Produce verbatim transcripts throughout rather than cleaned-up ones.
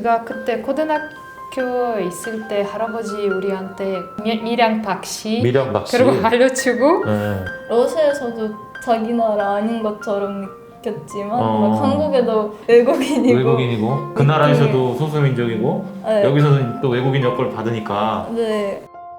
제가 그때 고등학교에 있을 때 할아버지 우리한테 미, 밀양 박씨 밀양 박씨 그리고 알려주고 네. 러시아에서도 자기 나라 아닌 것처럼 느꼈지만 어. 막 한국에도 외국인이고 외국인이고 그 나라에서도 소수민족이고 네. 여기서는 또 외국인 여권을 받으니까 네.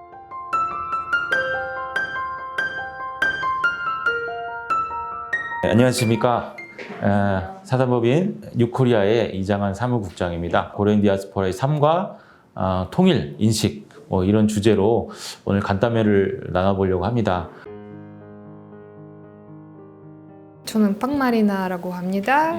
네, 안녕하십니까. 에, 사단법인 뉴코리아의 이장한 사무국장입니다. 고려인 디아스포라의 삶과 어, 통일, 인식 뭐 이런 주제로 오늘 간담회를 나눠보려고 합니다. 저는 빵마리나라고 합니다.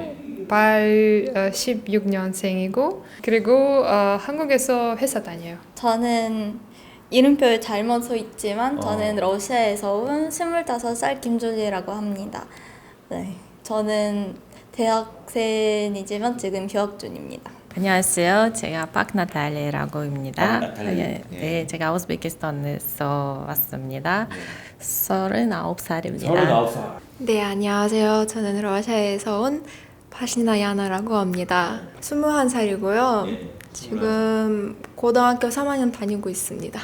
팔십육 년생이고 그리고 어, 한국에서 회사 다녀요. 저는 이름표에 잘못 써 있지만 저는 어. 러시아에서 온 스물다섯 살 김줄리라고 합니다. 네. 저는 대학생이지만 지금 휴학 중입니다. 안녕하세요. 제가 박나탈리라고 합니다. 박나탈리. 예, 예. 네, 제가 우즈베키스탄에서 왔습니다. 서른아홉 살입니다. 서른아홉 살. 네, 안녕하세요. 저는 러시아에서 온 파시나 야나라고 합니다. 스물한 살이고요. 예. 지금 고등학교 삼 학년 다니고 있습니다.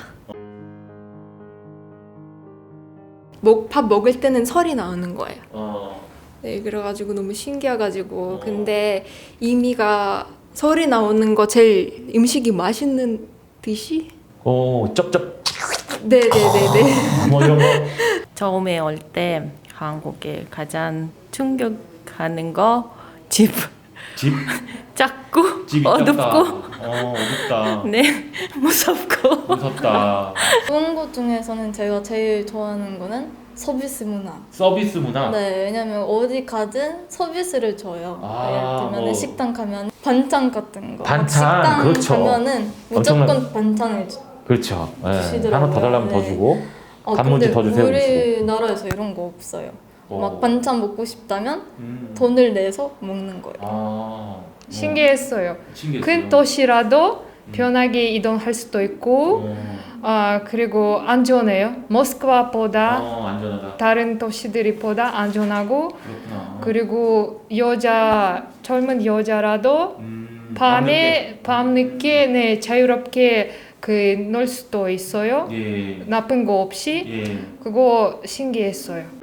먹, 밥 먹을 때는 설이 나오는 거예요. 어. 네, 그래가지고 너무 신기해가지고 근데 이미가 설이 나오는 거 제일 음식이 맛있는 듯이? 오, 쩝쩝. 네네네네. 뭐 이런 거. 처음에 올 때 한국에 가장 충격하는 거 집 집. 작고 집이 어둡고 작다. 어, 어둡다. 네 무섭고 무섭다. 좋은 것 중에서는 제가 제일 좋아하는 거는 서비스 문화. 서비스 문화. 네, 왜냐면 어디 가든 서비스를 줘요. 아, 예를 들면 뭐. 식당 가면 반찬 같은 거. 반찬, 식당 그렇죠. 가면은 무조건 엄청난- 반찬을 주. 그렇죠. 예. 주시더라고요. 하나 더 달라면 더 네. 주고 어, 단무지 근데 더 주세요. 우리나라에서 이런 거 없어요. 어. 막 반찬 먹고 싶다면 음. 돈을 내서 먹는 거예요. 아. 신기했어요. 신기했어요. 큰 도시라도 편하게 이동할 수도 있고 어. 아 그리고 안전해요. 모스크바보다 어, 안전하다. 다른 도시들보다 안전하고 그렇구나. 그리고 여자 젊은 여자라도 음, 밤에 밤늦게 네 자유롭게 그 놀 수도 있어요. 밤늦게. 예. 나쁜 거 없이 예. 그거 신기했어요.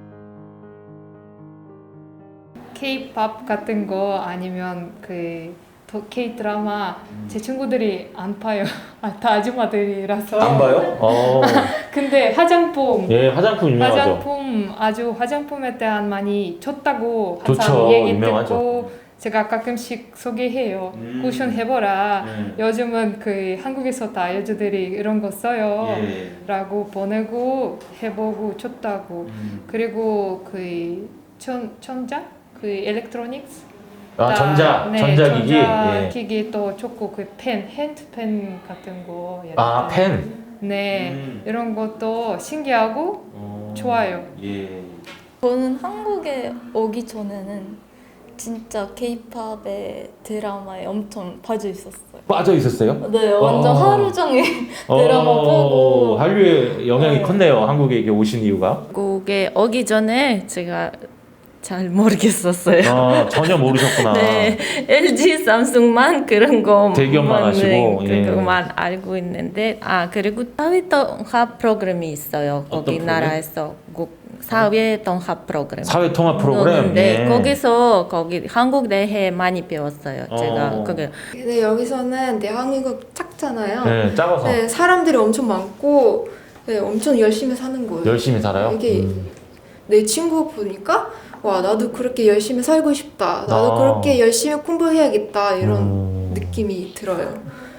K-팝 같은 거 아니면 그 K-드라마 제 친구들이 안 봐요. 아, 다 아줌마들이라서. 안 봐요? 어. 근데 화장품 예, 화장품 유명하죠. 화장품 아주 화장품에 대한 많이 좋다고 항상 좋죠. 얘기 유명하죠. 듣고 제가 가끔씩 소개해요. 음. 쿠션 해보라. 네. 요즘은 그 한국에서 다 여자들이 이런 거 써요. 예. 라고 보내고 해보고 좋다고. 음. 그리고 그 천, 천자? 그 일렉트로닉스? 아, 다, 전자, 네, 전자기기. 예. 전자기기도 좋고 그 펜, 핸드펜 같은 거. 예를 아, 들면. 펜. 네, 음. 이런 것도 신기하고 어. 좋아요. 예. 저는 한국에 오기 전에는 진짜 K-팝의 드라마에 엄청 빠져 있었어요. 빠져 있었어요? 네, 완전 어. 하루 종일 드라마 어, 보고. 한류의 영향이 네. 컸네요. 한국에 이게 오신 이유가. 한국에 오기 전에 제가 잘 모르겠었어요. 어, 전혀 모르셨구나. 네, 엘지, 삼성만 그런 거 대기업만 하시고, 예. 그것만 알고 있는데 아 그리고 사회 통합 프로그램이 있어요. 어떤 거기 프로그램? 나라에서 국 사회 통합 프로그램. 사회 통합 프로그램. 네, 예. 거기서 거기 한국 대해 많이 배웠어요. 제가 어. 그게 근데 여기서는 대한민국 작잖아요. 네, 작아서 네, 사람들이 엄청 많고 네, 엄청 열심히 사는 거예요. 열심히 살아요. 이게 음. 내 친구 보니까 와 나도 그렇게 열심히 살고 싶다. 나도 아. 그렇게 열심히 공부해야겠다 이런 음. 느낌이 들어요.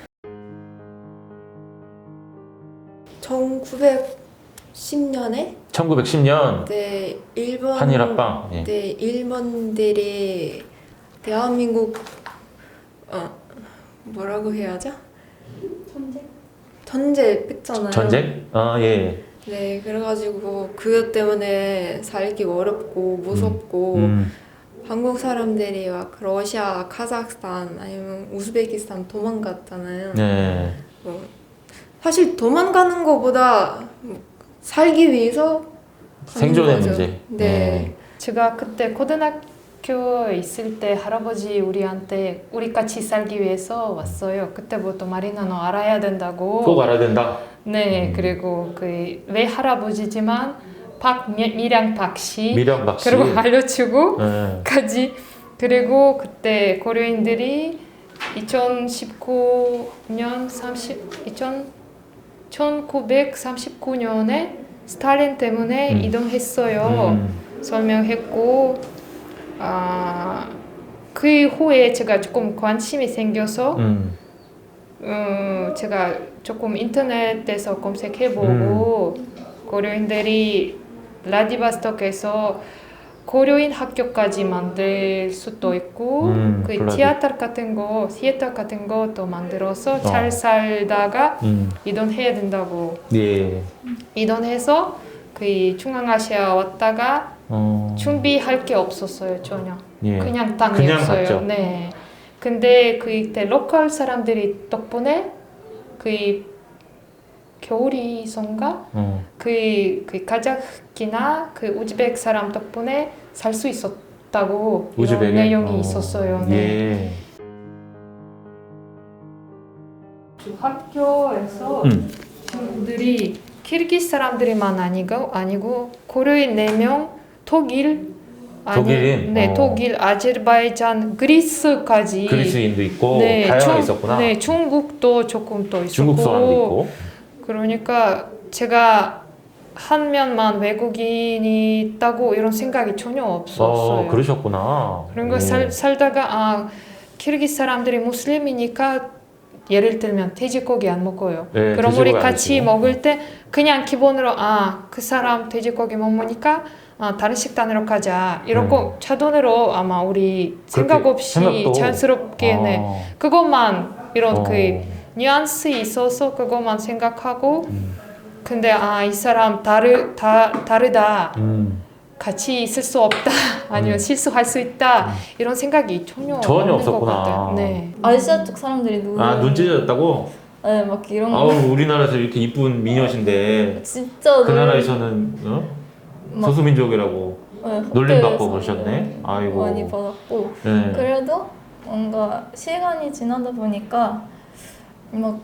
천구백십 년에 천구백십 년 네 일본 한일 합방. 예. 네 일본들이 대한민국 어 뭐라고 해야죠? 전쟁? 전제 뺐잖아요. 전쟁? 아, 예. 네 그래가지고 그것 때문에 살기 어렵고 무섭고 음. 한국 사람들이 막 러시아, 카자흐스탄 아니면 우즈베키스탄 도망갔잖아요. 네. 뭐, 사실 도망가는 것보다 살기 위해서 가는 생존의 거죠. 문제. 네. 네. 제가 그때 고등학교 학교에 있을 때 할아버지 우리한테 우리 같이 살기 위해서 왔어요. 그때부터 마리나노 알아야 된다고. 꼭 알아야 된다. 네, 음. 그리고 그 왜 할아버지지만 박미량 박씨 미령 박씨. 그리고 알려주고 네. 까지. 그리고 그때 고려인들이 이천십구 년 삼십 천구백삼십구 년에 스탈린 때문에 음. 이동했어요. 음. 설명했고 아, 그 후에 제가 조금 관심이 생겨서 음. 음, 제가 조금 인터넷에서 검색해보고 음. 고려인들이 라디바스톡에서 고려인 학교까지 만들 수도 있고 음, 그 블라디. 티아터 같은 거, 시애터 같은 것도 만들어서 잘 어. 살다가 음. 이동해야 된다고 예. 이동해서 그 중앙아시아 왔다가 어. 준비할 게 없었어요 전혀. 예. 그냥 그냥 땅이었어요. 갔죠. 네. 근데 그때 로컬 사람들이 덕분에 그 겨울이선가 어. 그, 그 카자흐키나 그 우즈벡 사람 덕분에 살 수 있었다고 이런 우즈벡에? 내용이 어. 있었어요. 네. 예. 그 학교에서 음. 친구들이 키르기스 사람들이만 아니고 아니고 고려인 네 명, 독일 아니, 독일인? 네, 어. 독일, 아제르바이잔, 그리스까지 그리스인도 있고 네, 다양하게 중- 있었구나. 네, 중국도 조금 더 있었고 중국 사람도 있고. 그러니까 제가 한 면만 외국인이 있다고 이런 생각이 전혀 없었어요. 어, 그러셨구나. 그러니까 예. 살, 살다가 아 키르기스 사람들이 무슬림이니까 예를 들면 돼지고기 안 먹어요. 네, 그럼 우리 돼지고기 안 같이 드시고. 먹을 때 그냥 기본으로 아 그 사람 돼지고기 못 먹으니까 아, 다른 식단으로 가자 이러고 자동으로 아마 우리 생각 그렇게 없이 생각도- 자연스럽게 네 어. 그것만 이런 어. 그 뉘앙스 있어서 그것만 생각하고 음. 근데 아 이 사람 다르 다 다르다 음. 같이 있을 수 없다 아니면 음. 실수할 수 있다 이런 생각이 전혀 전혀 없는 없었구나. 것 같아요. 네. 아시아 쪽 사람들이 눈, 아, 눈 찢어졌다고? 네, 막 이런 거 아우, 우리나라에서 이렇게 이쁜 미녀신데 진짜 그 놀- 나라에서는 어? 막- 소수민족이라고 네, 놀림받고 학교에서 그러셨네. 아이고. 많이 받았고 네. 그래도 뭔가 시간이 지나다 보니까 막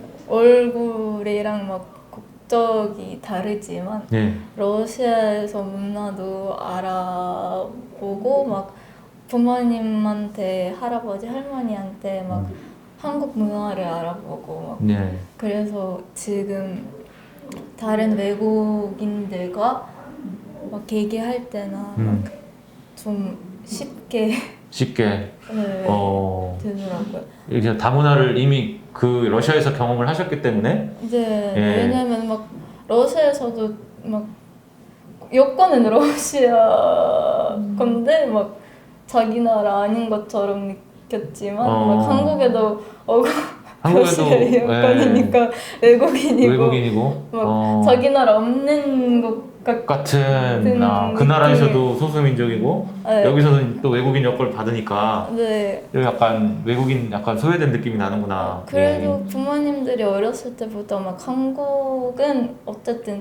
얼굴이랑 막 국적이 다르지만 네. 러시아에서 문화도 알아보고 막 부모님한테 할아버지 할머니한테 막 음. 한국 문화를 알아보고 막 네. 그래서 지금 다른 외국인들과 막 얘기할 때나 음. 좀 쉽게 쉽게 네, 어, 되더라고요. 이렇게 다문화를 이미 그 러시아에서 경험을 하셨기 때문에 이제 예. 왜냐면 막 러시아에서도 막 여권은 러시아 건데 막 자기 나라 아닌 것처럼 느꼈지만 어. 막 한국에도 어 한국에도 러시아 여권이니까 외국인이고 외국인이고 막 어, 자기 나라 없는 것 같. 같은 아, 그 느낌이- 나라에서도 소수민족이고 네. 여기서는 또 외국인 여권을 받으니까 네. 약간 외국인 약간 소외된 느낌이 나는구나. 그래도 부모님들이 어렸을 때부터 막 한국은 어쨌든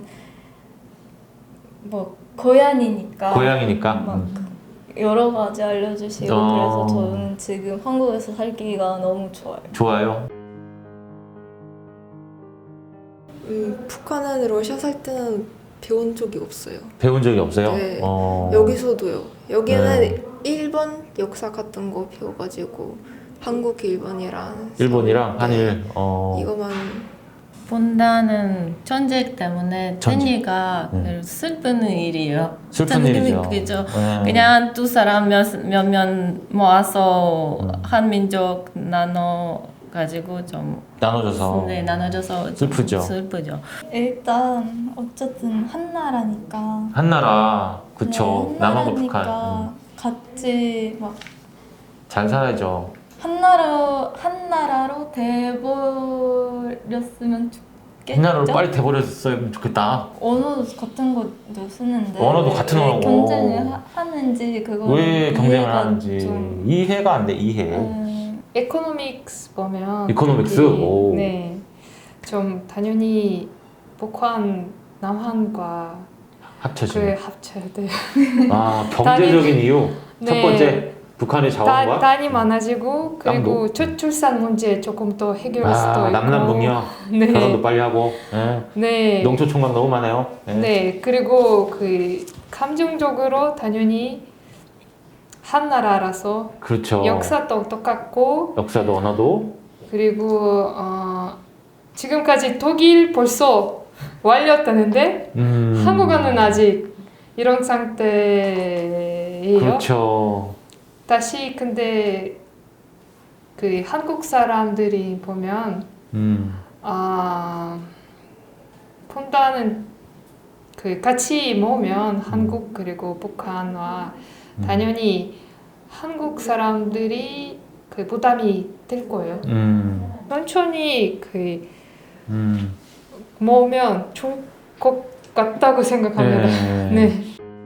뭐 고향이니까 예. 고향이니까. 막 음. 여러 가지 알려주시고 어. 그래서 저는 지금 한국에서 살기가 너무 좋아요. 좋아요. 음, 북한은 러시아 살 때는 배운 적이 없어요. 배운 적이 없어요. 네. 어. 여기서도요. 여기는 네. 일본 역사 같은 거 배워가지고 한국, 일본이랑 일본이랑 네. 한일. 어. 이거만 본다는 전쟁 때문에 전쟁. 테니가 음. 슬픈 일이에요. 슬픈 진짜 일이죠. 그죠. 네. 그냥 두 사람 몇몇 모아서 음. 한 민족 나눠 가지고 좀 나눠져서 네, 나눠져서 좀 슬프죠. 슬프죠. 일단 어쨌든 한 나라니까. 한나라 그쵸. 네, 한 남한과 나라니까 북한 음. 같이 막 잘 살아야죠. 한 나라 한 나라로 돼버렸으면 좋겠죠. 한나라로 빨리 돼버렸으면 좋겠다. 언어 같은 것도 쓰는데 언어도 왜- 같은 왜 언어고. 경쟁을 하, 하는지 그거 왜 경쟁을 이해가 하는지 좀, 이해가 안 돼. 이해. 음, 에코노믹스 보면 이코노믹스? 거기, 오. 네, 좀 당연히 북한, 남한과 합쳐지. 그 합쳐야 돼요. 아 경제적인 이유. 첫 번째 북한의 다, 자원과 단이 많아지고 그리고 땅도? 저출산 문제 조금 더 해결할 수도 아, 있고. 남남북녀 네. 결혼도 빨리 하고 예. 네. 농촌 총각 너무 많아요. 예. 네. 그리고 그 감정적으로 당연히 한 나라라서 그렇죠. 역사도 똑같고 역사도 언어도 그리고 어, 지금까지 독일 벌써 완료했다는데 음, 한국어는 아직 이런 상태예요. 그렇죠. 다시 근데 그 한국 사람들이 보면 음, 아 분단은 그 같이 모으면 한국 그리고 북한과 음. 당연히 한국 사람들이 그 부담이 될 거예요. 음, 천천히 그 음. 모으면 좋을 것 같다고 생각합니다. 네. 네.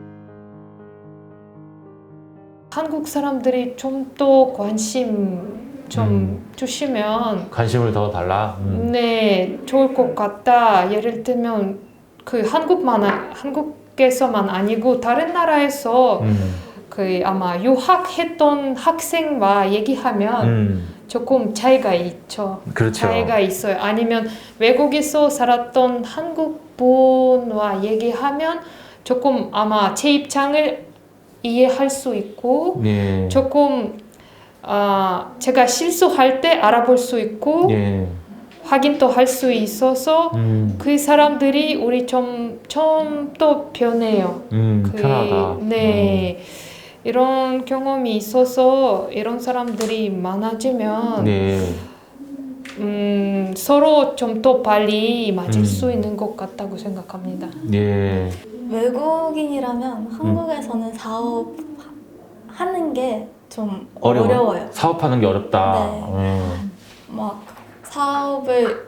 한국 사람들이 좀 더 관심 좀 음. 주시면 관심을 더 달라. 음. 네 좋을 것 같다. 예를 들면 그 한국만 아- 한국에서만 아니고 다른 나라에서 음. 그 아마 유학했던 학생과 얘기하면 음. 조금 차이가 있죠. 그렇죠. 차이가 있어요. 아니면 외국에서 살았던 한국 분과 얘기하면 조금 아마 제 입장을 이해할 수 있고 예. 조금 아 제가 실수할 때 알아볼 수 있고 예. 확인도 할 수 있어서 음. 그 사람들이 우리 좀 좀 더 변해요. 음. 그, 편하다. 네. 이런 경험이 있어서 이런 사람들이 많아지면 음. 네. 음, 서로 좀 더 빨리 맞을 음. 수 있는 것 같다고 생각합니다. 예. 외국인이라면 한국에서는 사업 하는 게 좀 어려워? 어려워요. 사업하는 게 어렵다. 예. 막 사업을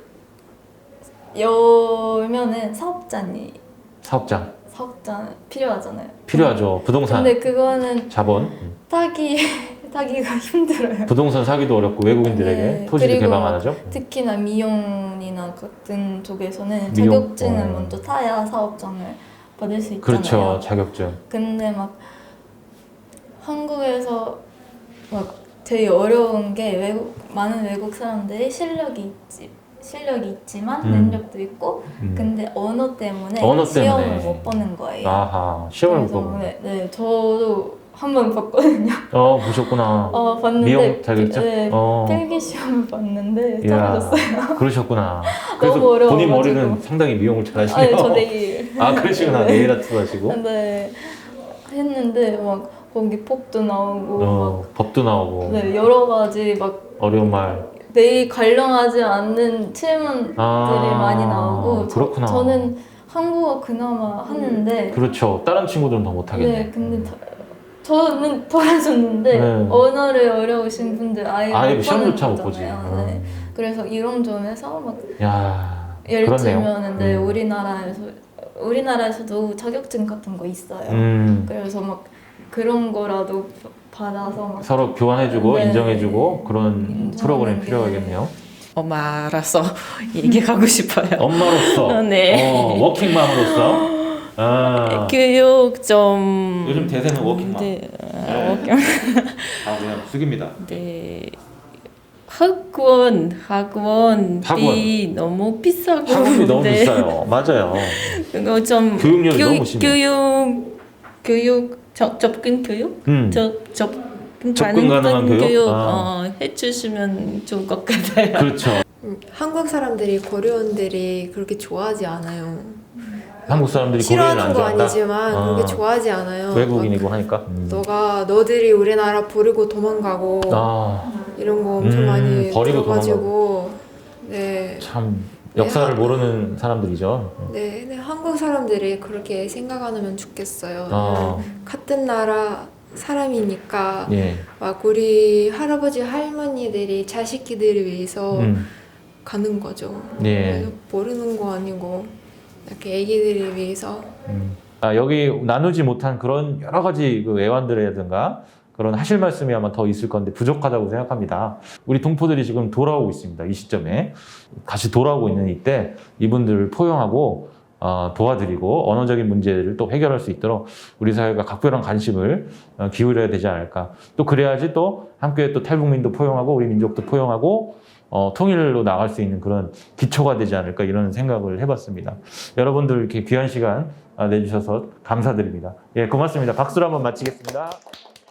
열면은 사업자니 사업장 사업자 필요하잖아요. 필요하죠. 부동산 근데 그거는 자본. 타기 타기가 힘들어요. 부동산 사기도 어렵고 외국인들에게 네. 토지도 그리고 개방 안 하죠. 특히나 미용이나 같은 쪽에서는 미용? 자격증을 어. 먼저 타야 사업장을 받을 수 있잖아요. 그렇죠. 자격증. 근데 막 한국에서 막 제일 어려운 게 외국 많은 외국 사람들이 실력이 있지 실력이 있지만 음. 능력도 있고 음. 근데 언어 때문에 언어 시험을 때문에. 못 보는 거예요. 아하. 시험을 못 그래서 보고. 네, 네, 저도 한 번 봤거든요. 어, 보셨구나. 어, 봤는데 미용 자격증? 네, 어. 필기 시험을 봤는데 이야, 떨어졌어요. 그러셨구나. 너무 그래서 어려워가지고. 본인 머리는 상당히 미용을 잘하시네요. 아니 저 내일 아, 그러시구나. 네일 아트 하시고. 네 했는데 막 거기 폭도 나오고 어, 법도 나오고. 막 네, 여러 가지 막 어려운 말. 내일 관련하지 않는 질문들이 아, 많이 나오고 그렇구나. 저, 저는 한국어 그나마 하는데 그렇죠. 다른 친구들은 더 못하겠네. 네 근데 더, 저는 떨어졌는데 네. 언어를 어려우신 분들 아예 아예 못 시험조차 보는 못 보지. 거잖아요. 네. 음. 그래서 이런 점에서 막 야, 예를 그렇네요. 들면 네, 음. 우리나라에서 우리나라에서도 자격증 같은 거 있어요. 음, 그래서 막 그런 거라도 받아서 막 서로 교환해주고 네. 인정해주고 그런 인정하는 프로그램 게- 필요하겠네요. 엄마라서 얘기하고 싶어요. 엄마로서, 네. 어, 워킹맘으로서. 아, 교육 좀 요즘 대세는 워킹맘. 네, 아, 네. 워킹. 아, 그냥 숙입니다. 네. 학원 학원비 너무 비싸고 학원비 너무 네. 비싸요. 맞아요. 그거 좀 교육열이 교육, 너무 심해. 교육 교육 접, 접근 교육 음, 접, 접근 접근 가능한 교육? 아. 어, 해주시면 좋을 것 같아요. 그렇죠. 음, 한국 사람들이 고려원들이 그렇게 좋아하지 않아요. 한국 사람들이 고려를 안 싫어하는 거 좋아한다. 아니지만 아, 그렇게 좋아하지 않아요. 외국인이고 막 하니까. 음. 너가 너들이 우리나라 버리고 도망가고 아, 이런 거 엄청 음, 많이 버리고 들어가지고 네, 참 역사를 네. 모르는 사람들이죠. 네, 네, 한국 사람들이 그렇게 생각 안 하면 좋겠어요. 아, 같은 나라 사람이니까 예. 막 우리 할아버지 할머니들이 자식들을 위해서 음, 가는 거죠. 예. 그래서 모르는 거 아니고 이렇게 애기들을 위해서. 음. 아, 여기 나누지 못한 그런 여러 가지 그 애완들이라든가 그런 하실 말씀이 아마 더 있을 건데 부족하다고 생각합니다. 우리 동포들이 지금 돌아오고 있습니다. 이 시점에 다시 돌아오고 있는 이때 이분들을 포용하고 어, 도와드리고 언어적인 문제를 또 해결할 수 있도록 우리 사회가 각별한 관심을 어, 기울여야 되지 않을까. 또 그래야지 또 함께 또 탈북민도 포용하고 우리 민족도 포용하고 어, 통일로 나갈 수 있는 그런 기초가 되지 않을까 이런 생각을 해봤습니다. 여러분들 이렇게 귀한 시간 아, 내주셔서 감사드립니다. 예, 고맙습니다. 박수로 한번 마치겠습니다.